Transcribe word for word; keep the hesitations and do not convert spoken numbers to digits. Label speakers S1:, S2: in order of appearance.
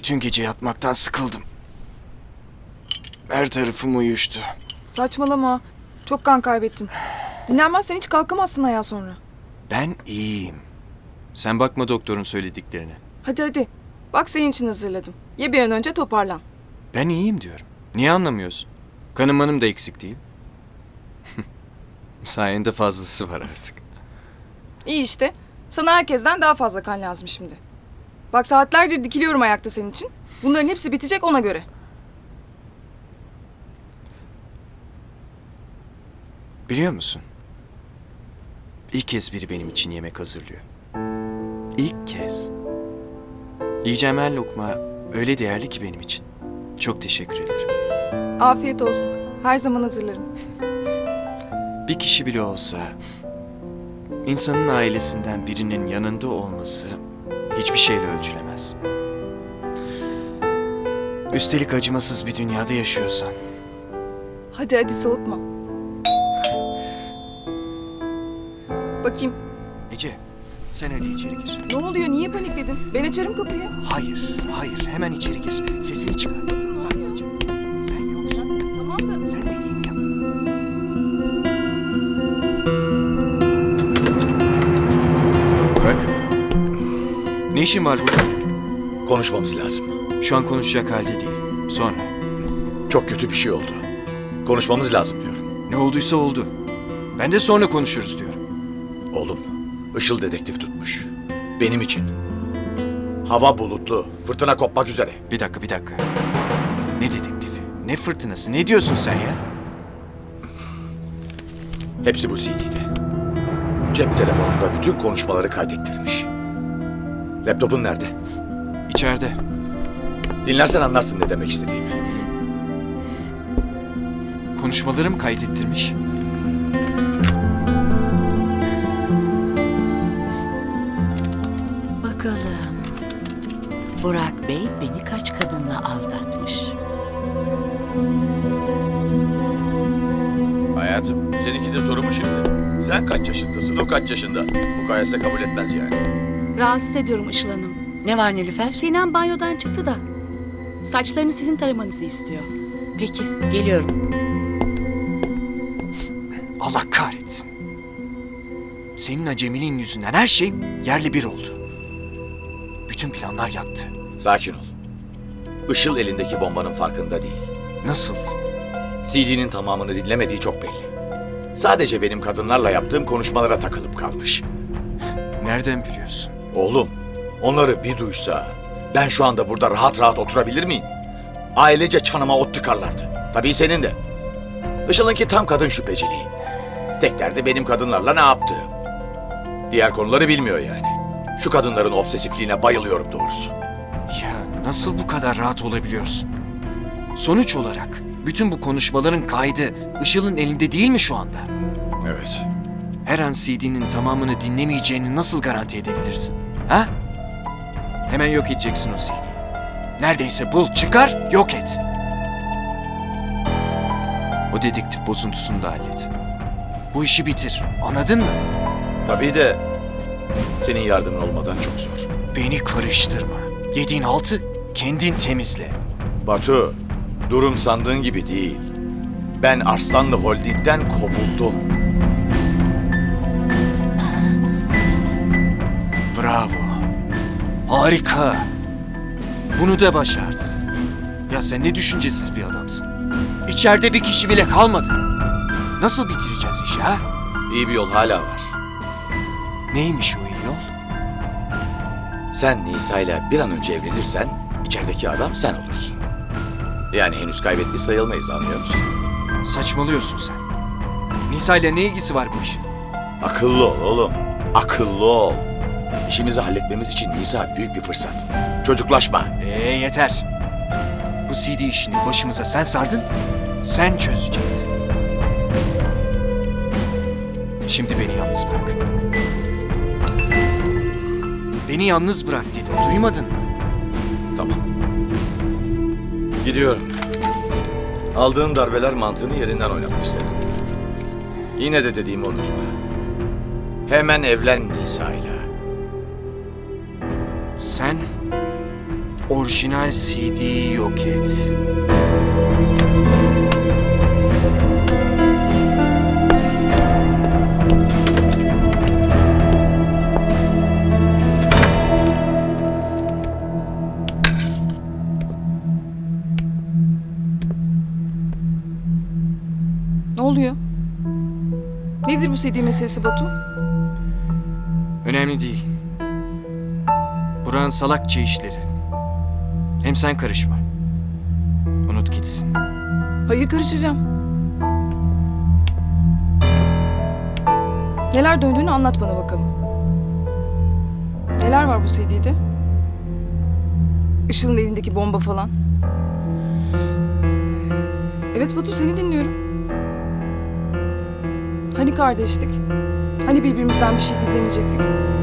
S1: Bütün gece yatmaktan sıkıldım. Her tarafım uyuştu.
S2: Saçmalama. Çok kan kaybettin. Dinlenmezsen hiç kalkamazsın ayağa sonra.
S1: Ben iyiyim. Sen bakma doktorun söylediklerine.
S2: Hadi hadi. Bak senin için hazırladım. Ye bir an önce toparlan.
S1: Ben iyiyim diyorum. Niye anlamıyorsun? Kanım manım da eksik değil. Sayende fazlası var artık.
S2: İyi işte. Sana herkesten daha fazla kan lazım şimdi. Bak saatlerdir dikiliyorum ayakta senin için. Bunların hepsi bitecek ona göre.
S1: Biliyor musun? İlk kez biri benim için yemek hazırlıyor. İlk kez. Yiyeceğim her lokma öyle değerli ki benim için. Çok teşekkür ederim.
S2: Afiyet olsun. Her zaman hazırlarım.
S1: Bir kişi bile olsa insanın ailesinden birinin yanında olması hiçbir şeyle ölçülemez. Üstelik acımasız bir dünyada yaşıyorsan.
S2: Hadi hadi soğutma. Bakayım.
S1: Ece, sen hadi içeri gir.
S2: Ne oluyor? Niye panikledin? Ben açarım kapıyı.
S1: Hayır, hayır. Hemen içeri gir. Sesini çıkar. Sakince. Sen yoksun.
S2: Tamam da.
S1: Sen dediğimi yap. Bırak. Ne işin var burada?
S3: Konuşmamız lazım.
S1: Şu an konuşacak halde değil. Sonra.
S3: Çok kötü bir şey oldu. Konuşmamız lazım diyorum.
S1: Ne olduysa oldu. Ben de sonra konuşuruz diyorum.
S3: Oğlum, Işıl dedektif tutmuş. Benim için. Hava bulutlu, fırtına kopmak üzere.
S1: Bir dakika, bir dakika. Ne dedektifi? Ne fırtınası? Ne diyorsun sen ya?
S3: Hepsi bu C D'de. Cep telefonunda bütün konuşmaları kaydettirmiş. Laptopun nerede?
S1: İçeride.
S3: Dinlersen anlarsın ne demek istediğimi.
S1: Konuşmalarımı kaydettirmiş.
S4: Bakalım. Burak Bey beni kaç kadınla aldatmış?
S3: Hayatım, seninki de soru mu şimdi? Sen kaç yaşındasın, o kaç yaşında? Mukayese kabul etmez yani.
S4: Rahatsız ediyorum Işıl Hanım. Ne var Nilüfer? Sinem banyodan çıktı da. Saçlarını sizin taramanızı istiyor. Peki, geliyorum.
S1: Allah kahretsin. Senin acemiliğin yüzünden her şey yerli bir oldu. Bütün planlar yattı.
S3: Sakin ol. Işıl elindeki bombanın farkında değil.
S1: Nasıl?
S3: C D'nin tamamını dinlemediği çok belli. Sadece benim kadınlarla yaptığım konuşmalara takılıp kalmış.
S1: Nereden biliyorsun?
S3: Oğlum, onları bir duysa ben şu anda burada rahat rahat oturabilir miyim? Ailece çanıma ot tıkarlardı. Tabii senin de. Işıl'ınki tam kadın şüpheciliği. Tek derdi benim kadınlarla ne yaptığım. Diğer konuları bilmiyor yani. Şu kadınların obsesifliğine bayılıyorum doğrusu.
S1: Ya nasıl bu kadar rahat olabiliyorsun? Sonuç olarak bütün bu konuşmaların kaydı Işıl'ın elinde değil mi şu anda?
S3: Evet.
S1: Her an C D'nin tamamını dinlemeyeceğini nasıl garanti edebilirsin? Ha? Hemen yok edeceksin o C D'yi. Neredeyse bul, çıkar, yok et. O dedektif bozuntusunu da hallet. Bu işi bitir, anladın mı?
S3: Tabii de senin yardımın olmadan çok zor.
S1: Beni karıştırma. Yediğin altı kendin temizle.
S3: Batu, durum sandığın gibi değil. Ben Arslanlı Holding'den kovuldum.
S1: Bravo. Harika. Bunu da başardın. Ya sen ne düşüncesiz bir adamsın. İçeride bir kişi bile kalmadı. Nasıl bitireceğiz işi ha?
S3: İyi bir yol hala var.
S1: Neymiş o iyi yol?
S3: Sen Nisa'yla bir an önce evlenirsen içerideki adam sen olursun. Yani henüz kaybetmiş sayılmayız, anlıyor musun?
S1: Saçmalıyorsun sen. Nisa ile ne ilgisi var bu işin?
S3: Akıllı ol oğlum. Akıllı ol. İşimizi halletmemiz için Nisa büyük bir fırsat. Çocuklaşma.
S1: Ee yeter. Bu C D işini başımıza sen sardın, sen çözeceksin. Şimdi beni yalnız bırak. Beni yalnız bırak dedim, duymadın mı?
S3: Tamam. Gidiyorum. Aldığın darbeler mantığını yerinden oynatmış senin. Yine de dediğimi unutma. Hemen evlen Nisa'yla.
S1: Sen orijinal C D'yi yok et.
S2: Ne oluyor? Nedir bu C D meselesi Batu?
S1: Önemli değil. Buranın salakça işleri. Hem sen karışma. Unut gitsin.
S2: Hayır, karışacağım. Neler döndüğünü anlat bana bakalım. Neler var bu C D'de? Işıl'ın elindeki bomba falan. Evet Batu, seni dinliyorum. Hani kardeşlik? Hani birbirimizden bir şey gizlemeyecektik?